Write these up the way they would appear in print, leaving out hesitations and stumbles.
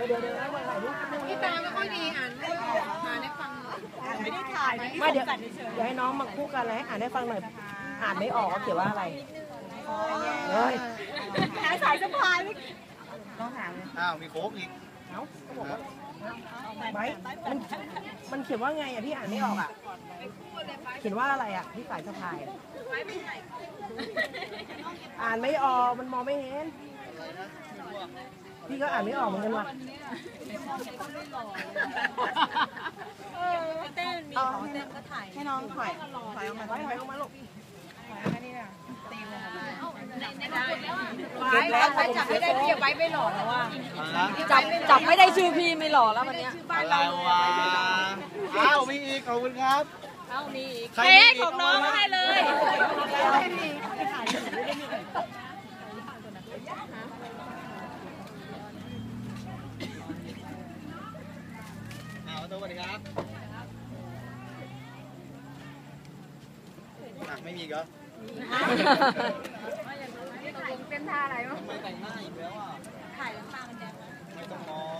พี่ตาไม่ค่อยดีอ่านให้ฟังไม่ได้ถ่ายไม่เดี๋ยวให้น้องมาคู่กันเลยให้อ่านให้ฟังหน่อยอ่านไม่ออกว่าเขียนว่าอะไรเฮ้ยหาสายสะพายต้องถามเลยอ้าวมีโค้กอีกไม่มันเขียนว่าไงอ่ะพี่อ่านไม่ออกอ่ะเขียนว่าอะไรอ่ะพี่สายสะพายอ่านไม่ออกมันมองไม่เห็นพี่ก็อ่านไม่ออกเหมือนกันว่ะเต้นมีของเต้นก็ถ่ายให้น้องถอยออกมาถอยออกมาลูกเก็บแล้วใครจับไม่ได้พี่ไว้ไม่หล่อแล้วว่าจับไม่ได้ชื่อพี่ไม่หล่อแล้ววันนี้อะไรวะอ้าวมีอีกขอบคุณครับมีอีกเค้กของน้องให้เลยสวัสดีครับไม่มีก็เป็นท่าอะไรวะไม่แต่งหน้าอีกแล้วอ่ะถ่ายแล้วตามันแดงไม่ต้องมอง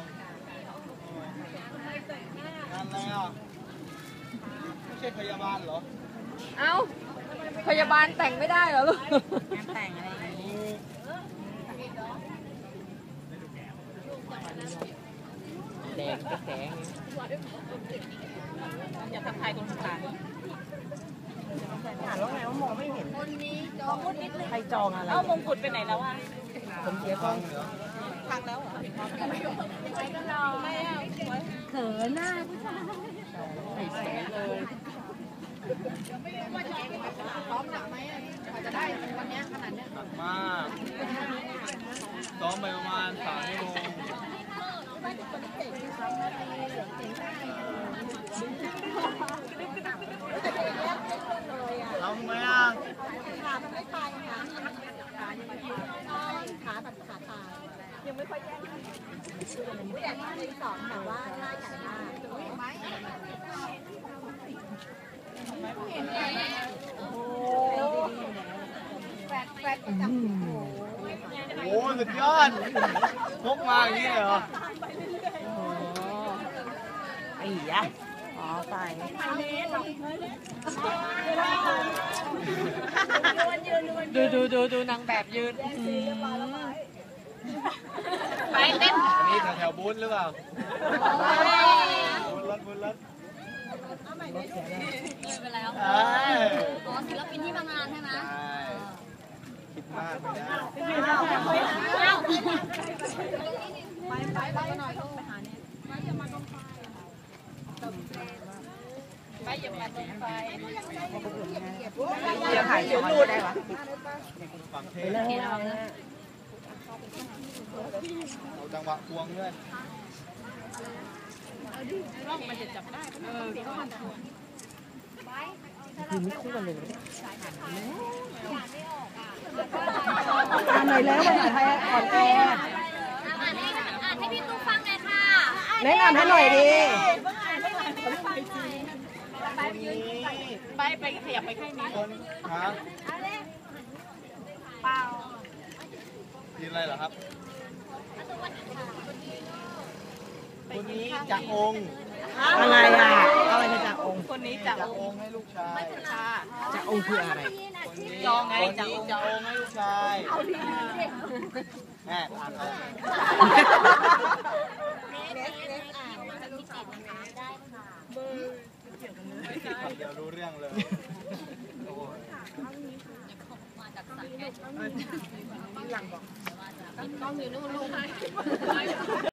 งานอะไรอ่ะไม่ใช่พยาบาลเหรอเอ้าพยาบาลแต่งไม่ได้เหรอลูกงานแต่งอะไรแดงแสงอย่าทำทายคนสุดท้ายอ่านแล้วไงว่ามองไม่เห็นคนนี้จองนิดนึงใครจองอะไรเอามงกุฎไปไหนแล้วอ่ะผมเสียกล้องพังแล้วเหรอไม่เอาเขินหน้าผู้ชายใส่แสงเลยพร้อมหนักไหมจะได้วันนี้ขนาดนี้หนักมากซ้อมไปประมาณ3 ชั่วโมงทำไหมอ่ะขามันไม่ไปค่ะขายังไม่ขาแบบขาตายยังไม่ค่อยแย่ผู้ใหญ่ที่สอนแต่ว่าหน้าใหญ่มากแฟดจับโอ้สุดยอดพกมาอย่างนี้เหรอไอ้ยะอ๋อไปดูนางแบบยืนไปเต้นนี่แถวบูธหรือเปล่าบูธรถไปแล้วอ๋อศิลปินที่มางานใช่ไหมคิดมากไปแล้วไปหน่อยต้องไปหาเนี่ยไปอย่ามาตรงไฟไปอย่ามาตรงไฟอย่าถ่ายเดี๋ยวรูดได้ปะฝั่งเทสเอาจังหวะควงด้วยร่องมันจะจับได้คือไม่คู่กันเลยอ่านหน่อยแล้วภาษาไทยอ่อนแออ่านให้พี่ตุ๊กฟังหน่อยค่ะแนะนำให้หน่อยดิไปขยับไปข้างนี้ฮะเปล่ากินอะไรเหรอครับคนนี้จะองค์อะไรอ่ะอะไรจะองค์คนนี้จะองค์ให้ลูกชายจะองค์คืออะไรจองไงจะองค์ให้ลูกชายแม่อ่านเอาเดี๋ยวรู้เรื่องเลยหลังบอกต้องอยู่นู่นลูก